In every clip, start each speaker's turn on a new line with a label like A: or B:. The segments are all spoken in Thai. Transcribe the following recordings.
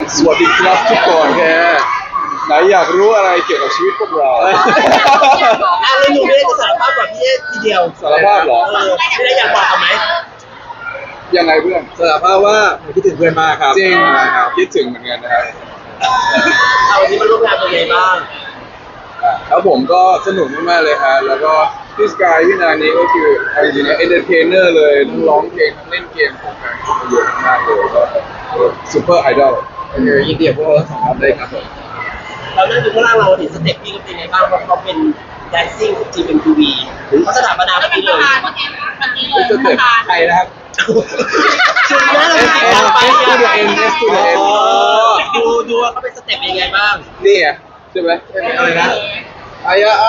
A: สวัสดีครับทุกคนแกไหนอยากรู้อะไรเกี่ยวกับชีวิตพวกเรา
B: แล้วหนูไม่ได้จะสารภาพกับพี่เอทีเดียว
A: สารภาพเหรอ
B: ไม่ได้อยากบอกกันไหม
A: ยังไงเพื่อน
C: สารภาพว่าผมคิดถึงเพื่อนมากครับ
A: จริง
C: ครับ
A: คิดถึงเหมือนกันนะครับ
B: เอาวันนี้มาร่วมงานเป็นไงบ้าง
A: แล้วผมก็สนุกมากๆเลยฮะแล้วก็พี่สกายพี่นานี้ก็คือเอาจริงๆนะเอนเตอร์เทนเนอร์เลยทั้งร้องเพลงทั้งเล่นเกมของการเยอะมากเลยก็ซูเปอร์ไอดอล
C: ยินดีกับพวกเราทั้งสองคนเลยครับผม
B: เรานั่งอยู่ข้างล่างเราเห็นสเต็ปพี่ก็เป็นไงบ้างเพราะเขาเป็นแดนซิ่ง GMTV เขาสถาปนา
D: แล้ว
B: เมื่อ
D: เป็น
B: กี้
D: ป
B: เล
D: ระ
B: ย
D: ธานเมื่อกี้เลยประธาน
C: ใครนะครับ
B: ชุดนั้นเราไม่ได้ไป
A: S to the N S to the N
B: ดูว่าเขาเป็นสเต็ปยังไงบ้าง
A: นี่ไงใช่ไหม
C: อะไรนะ
A: ไอ้อะ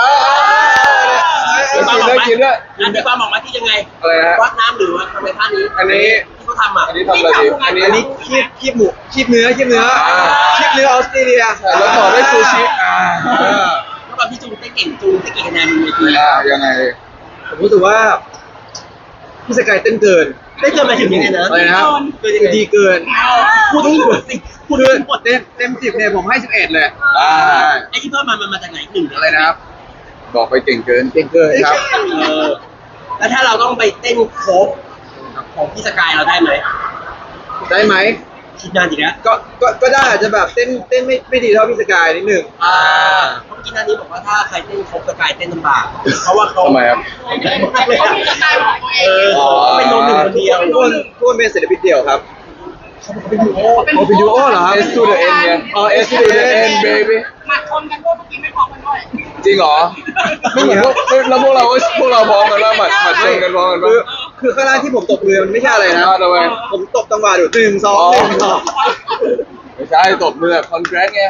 A: กินด้วย
B: อันที่ความออกมาที่ยังไง
A: อะไรนะ
B: วัดน้ำหรือว่าทำไมท่านี้
A: อันนี้
B: ที่เขาทำอ่ะ
A: อันนี้ทำอะไรดีอันนี้
C: อันนี้คีบหมูคีบเนื้อคีบเนื้อคีบเนื้อออสเตรเลีย
A: แล้วต่อด้วยซูชิ
B: เมื่อก่อนพี่จูงเต้นเก่งจูงเต้นเก่งคะแนนบนเวที
A: ยังไง
C: ผมรู้สึกว่าพี่สกายเต้นเกิน
B: ได้เกินมาถึงยังไงนะ
C: อะไรนะครับ
B: เกินยังไง
C: ดีเกิน
B: พูดทั้งหมดสิพูด
C: คือ
B: ทั้งหมด
C: เต็ม10เนี่ยผมให้11เลย
B: ไอ้ที่เพิ่มมันมาจากไหนหนึ่ง
C: อะไรนะครับ
A: บอกไปเก่งเกิน
C: เก่งเกินครับ
B: แล้วถ้าเราต้องไปเต้นโคฟของพี่สกายเราได้ไหม
C: ได้ไหม
B: คิดนานจริงนะ
C: ก็ได้อาจจะแบบเต้นไม่ดีเท่าพี่สกายนิดหนึ่ง
B: เพราะเมื่อกี้นานี้บอกว่าถ้าใครเต้นโคฟสกายเต้นลำบากเพราะว่าเขา
A: ทำไมครับ
D: เขามีสไตล์ของตัวเอง
B: เขาเป็นโนหนึ่งคนเดียว
C: ทุกคนเป็นศิลปินเดี่ยวครับ
B: เป็นดูโอ
C: เอาเป็นดูโอเหรอครับ
A: S to the N ไง
C: อ๋อ
A: S to the N baby
D: หมัดชนกันด้วยเมื่อกี้ไม่พร้อมกันด้วย
A: จริงเหรอไม่เหมือนแล้วพวกเราพร้อมกันแล้วหมัดชนกันพร้อมกัน
C: คือ
A: ปะ
C: คือข้างล่างที่ผมตบมือมันไม่ใช่อะไรนะ
A: ทำไม
C: ผมตบจังหวะอยู่1 2 1 2
A: ไม่ใช่ตบมือคอนแกรสไง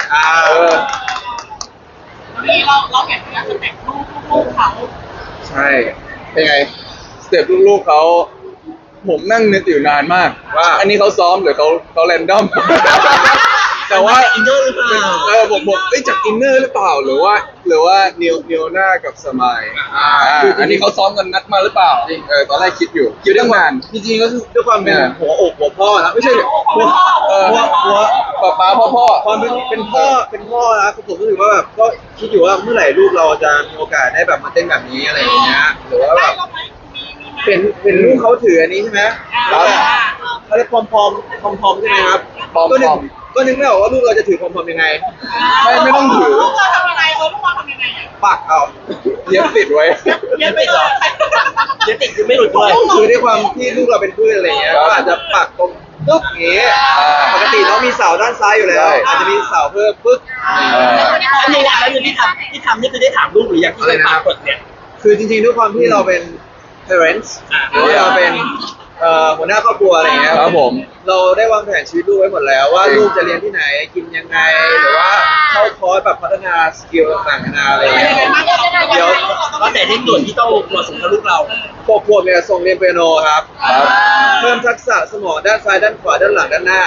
D: นี่เราเห็นนะสเต็ปลูกเขา
C: ใช่เป็นไง
A: สเต็ปลูกๆเขาผมนั่งนึกอยู่นานมาก
C: ว่า
A: อันนี้เขาซ้อมหรือเขาแรนดอม แต่ว่า
B: อินเนอร์หรือเปล่า
A: ผมจากอินเนอร์หรือเปล่าหรือว่าเนียวหน้ากับสมายอันนี้เขาซ้อมกันนัดมาหรือเปล่าตอนแรกคิดอยู่คิดเรื่องงาน
C: จริงๆก็คือด้วยความเป็นหัวอกหัวพ่อนะไม่ใช่หัว
A: ป้าพ่อ
C: ความเป็นพ่อนะผมรู้สึกว่าแบบก็คิดอยู่ว่าเมื่อไหร่ลูกเราจะมีโอกาสได้แบบมาเต้นแบบนี้อะไรอย่างเงี้ยหรือว่าแบบ
D: เราไหมมี
C: เป็นลูกเขาถืออันนี้ใช่ไหมแล้วเขาเรียกพอมใช่ไหมครับก็นึกไม่ออกว่าลูกเราจะถือพอมยังไง
A: ไม่ต้องถือ
D: ลูกเราทำยังไงลูกเราทำยังไงอ่ะ
C: ปักเอา
A: เย็บติดไว้
B: เย็บไม่หรอเย็บติดคือไม่หลุดด้วย
C: คือด้วยความที่ลูกเราเป็นพืชอะไรเงี้ยก็อาจจะปักตรงปึ๊กอย่างเงี้ยปกติน้องมีเสาด้านซ้ายอยู่แล้วอาจจะมีเสาเพิ่มปึ๊ก
B: อันนี้นะแล้วที่ทำนี่คือได้ถามลูกหรือยังที่ได้ปากเปิดเนี่ย
C: คือจริงๆด้วยความที่เราเป็น parents หรือว่าเราเป็นหัวหน้าครอบครัวอะไรเงี้ย
A: ครับผม
C: เราได้วางแผนชีวิตลูกไว้หมดแล้วว่าลูกจะเรียนที่ไหนกินยังไงหรือว่าเข้าคอร์สแบบพัฒนาสกิลต่างๆนานาอะไรเงี้ยเดี๋ยว
B: ก็แต่ในส่วนที่ต้องเหมาะสมกับลูกเรา
C: ขวบเนี่ยส่งเรียนเปียโนครับเพิ่มทักษะสมองด้านซ้ายด้านขวาด้านหลังด้านหน้า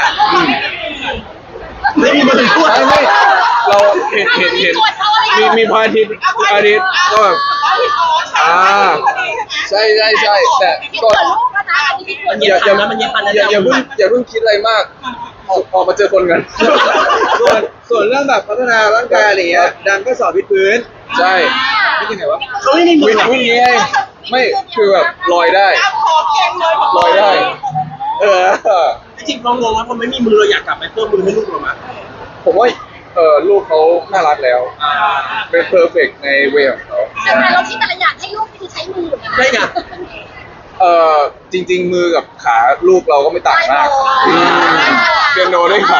B: ไม่มีมือพูด
A: ไม่เราเห็นมีพระอาทิตย์ก็แบบใช่แต่ก็
B: มันเย็บพันนะมันเย็บพันนะ
A: อย่าเพิ่งคิดอะไรมากออกมาเจอคนกัน
C: ส่วนเรื่องแบบพัฒนาร่างกายอะไรเงี้ยดังก็สอนวิดพื้น
A: ใช่
C: นี่ยังไงวะ
B: เขาไม่มีมือ
A: วิ่งไงไม่คือแบบลอยได้ ลอยได้
B: จริงๆเรางงว่าพอไม่มีมือเราอยากกลับไปเพิ่มมือให้ลูกเราไหม
A: ผมว่าลูกเขาน่ารักแล้ว เป็นเพอร์เฟกในเวของเขา
D: แต่เราที่แต่ละอย่างให้ลูกคือใช้มือ
B: ได้ไง
A: จริงๆมือกับขาลูกเราก็ไม่ต่างมากเปียโนด้วยขา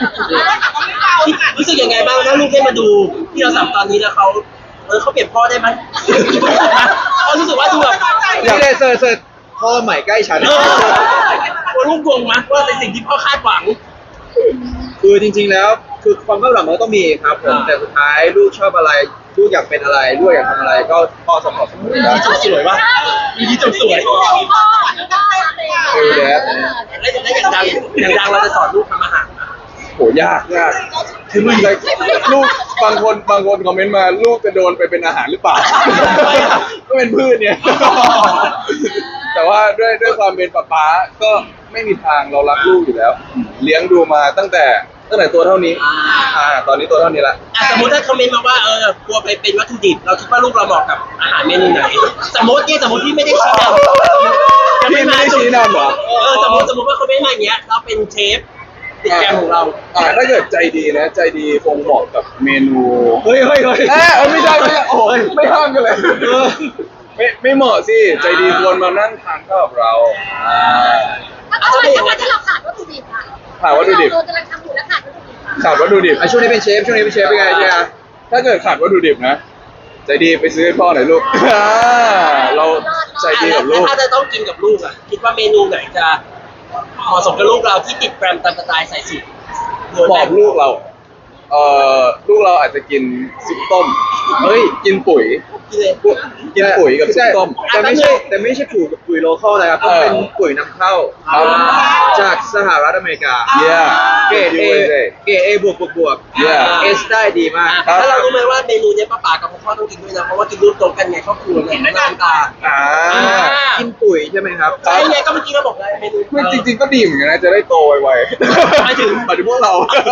B: รู้สึกยังไงบ้างถ้าลูกได้มาดูที่เราสัมตอนนี้แล้วเขาเปลี่ยนพ่อได้ไหมเขารู้สึกว่าดูแบบ
C: นี่เลยเสิร์ชพ่อใหม่ใกล้ฉัน
B: ว่าลูกงงมั้ยว่าเป็นสิ่งที่พ่อคาดหวัง
C: คือจริงๆแล้วคือความคาดหวังมันก็ต้องมีครับผมแต่สุดท้ายลูกชอบอะไรลูกอยากเป็นอะไรลูกอยากทำอะไรก็พ่อสปอร์ตเสมอ
B: มีจบสวยวะมีจบสวย
D: พ่อได้
B: แล้วอย่างดังเราจะสอนลูกทำอาหารนะ
A: โหยากคือมึงเลยลูกบางคนคอมเมนต์มาลูกจะโดนไปเป็นอาหารหรือเปล่า ก็เป็นพืชเนี่ย แต่ว่าด้วยความเป็นป๊าก็ไม่มีทางเรารักลูกอยู่แล้ว เลี้ยงดูมาตั้งแต่ตั้งแต่ตัวเท่านี้ตอนนี้ตัวเท่านี้ละ
B: สมมติถ้าคอมเมนต์มาว่ากลัวไปเป็นวัตถุดิบเราคิดว่าลูกเราเหมาะกับอาหารเมนูไหนสมมติที่ไม่ได้ชี้นำ
A: พี่ไม่ได้ชี้นำเหรอ
B: สมมติว่าเขาไม่มาอย่างเงี้ยเราเป็นเชฟติดแกรมของเรา
A: ถ้าเกิดใจดีนะใจดีคงเหมาะกับเมนู
C: เฮ้ย
A: ไม่ใช่โอ้ยไม่ห้ามกันเลยไม่เหมาะสิใจดีควรมานั่งทานข้าวกับเรา
D: ถ้าวันที่เราขาดวัตถุดิบอะ
A: ขาดวัตถุดิบ
D: เรากำลังทำอยู่แล้วขาดวัตถุดิบอะ
A: ขาดวัตถุดิบ
C: ช่วงนี้เป็นเชฟเป็นไงเนี่ย
A: ถ้าเกิดขาดวัตถุดิบนะใจดีไปซื้อให้พ่อหน่อยลูกเราใจดีกับลูก
B: ถ้าจะต้องกินกับลูกอ่ะคิดว่าเมนูไหนจะเหมาะสมกับลูกเราที่ติดแกรมตามสไตล์ใส่สูตร
A: บอกลูกเราลูกเราอาจจะกินซุปต้มกินปุ๋ย
B: กินเลย
A: กินปุ๋ยกับซุปต้ม
C: แต่ไม่ใช่ปุ๋ยโลคอลนะครับต้องเป็นปุ๋ยนำเข้า
A: ครับ
C: จากสหรัฐอเมริกา
A: yeah
C: เกรด
A: USA
C: A บวก
A: Yeah
C: เอสได้ดีมาก
A: ครับ
B: ถ้าเรารู้ไหมว่าเมนูเนี้ยป้ากับพ่อต้องกินด้วยนะเพราะว่ากินร่วมโต๊ะกันไงครอบครัวเนี่ยหน้าตา
C: กินปุ๋ยใช่ไหมครับ
B: ใช่ไงก็เมื่อกี้เราบอกแล้วเมนู
A: ไม่จริงๆก็ดีเหมือนกันนะจะได้โตไวๆ
B: หมายถึง
A: พวกเรา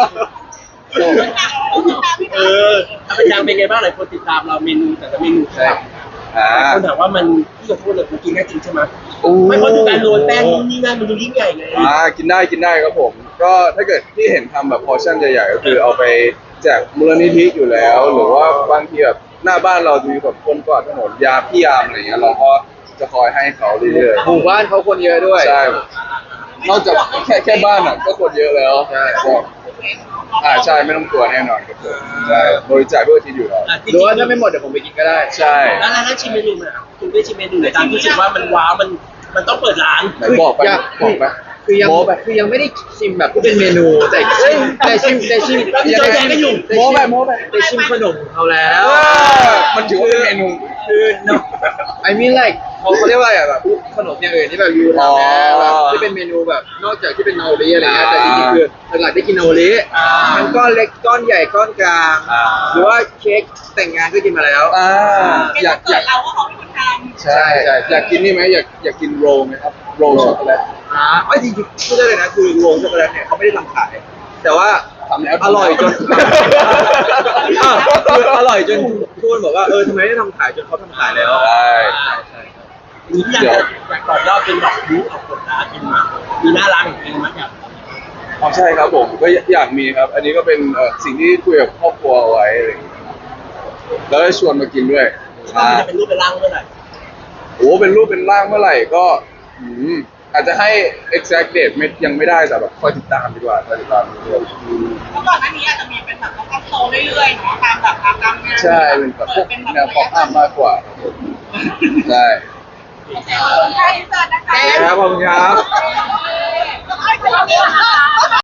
B: ถ้าเป็นยังเป็นไงบ้างหลายคนติดตามเราเมนูแต่ละเมนู
A: ใช่อ่า
B: คนถามว่ามันที่ขอโทษเลยกูกินได้จริงใช่ไหมไม่เพราะดูการโรยแป้งนี่นั่นมันดูยิ่งใหญ่ไง
A: กินได้ครับผม ก็ถ้าเกิดที่เห็นทำแบบพอร์ชั่นใหญ่ๆก็คือเอาไปแจกมูลนิธิอยู่แล้ว หรือว่าบางทีแบบหน้าบ้านเราจะมีแบบคนกวาดถนนพี่ยามอะไรเงี้ยเราก็จะคอยให้เขาเรื่อย
C: หมู่บ้านเขาคนเยอะด้วย
A: ๆใช่นอกจากแค่บ้านอ่ะก็คนเยอะแล้ว
C: ใช่
A: ใช่ไม่ต้องกลัวแน่นอนครับผมใช่บริจาคด้วยที่อยู่แล้ว
C: หรือว่าถ้าไม่หมดเดี๋ยวผมไปกินก็ได้
A: ใช่
B: แล้วชิมเมนูไหนคุณได้ชิมเมนูไหนตามรู้สึกว่ามันว้าวมันต้องเปิดร้าน
A: ไหนบอกไป
C: คือยัง
A: โม้ไป
C: ยังไม่ได้ชิมแบบที่เป็นเมนูแต่ชิม
A: โม้ไป
C: แต่ชิมขนมของเขาแล้ว
A: มันถือว่าเป็นเมนู
C: คือ no I mean like เขาเรียกว่าอะไรอะแบบขนมอย่างอื่นที่แบบยูทำแล้วแบบที่เป็นเมนูแบบนอกจากที่เป็นนาโอริอะไรเงี้ยแต่จริงๆคือหลักๆได้กินนาโอริมันก้อนเล็กก้อนใหญ่ก้อนกลางหรือว่าเค้กแต่งงานก็กินมาแล้ว
A: อยาก
D: เกิดเราก็เขาเป็นคนทำ
A: ใช่อยากกินนี่ไหมอยากกินโรลไหมครับโรลช็อกโกแลต
C: จริงๆพูดได้เลยนะคือโรลช็อกโกแลตเนี่ยเขาไม่ได้ทำขาย แต่ว่า
A: ทำแล้ว
C: อร่อยจนคืออร่อยจนทุกคนบอกว่าทำไมไม่ทำขายจนเขาทำขายแล้ว
A: ใช่
B: นี่อยากต่อยอดเป็นแบบยูออกกฎร้านเป็นมามีหน้าร้านของเองมั้ยครับ
A: ใช่ครับผมก็อยากมีครับ อันนี้ก็เป็นสิ่งที่คุยกับครอบครัวเอาไว้อะไรอย่างเงี้ยแล้วก็ชวนมากินด้วย
B: ว่ามันจะเป็นรูปเป็นร่างเมื่อไหร่
A: โอ้เป็นรูปเป็นร่างเมื่อไหร่ก็อาจจะให้ exact date ยังไม่ได้แต่แบบคอยติดตามดีกว่าคอยติดตามเรื่อย
D: เมื่อก่อนหน้านี้อาจจะมีเป็นแบบเราก็โตเรื่อยๆเนาะตามแบบตามงาน
A: ใช่เป็นแบบพวกแนว pop up มากกว่าครับผมใช่
D: ใช่เสิร์ฟนะคะ
C: ครับผมครับ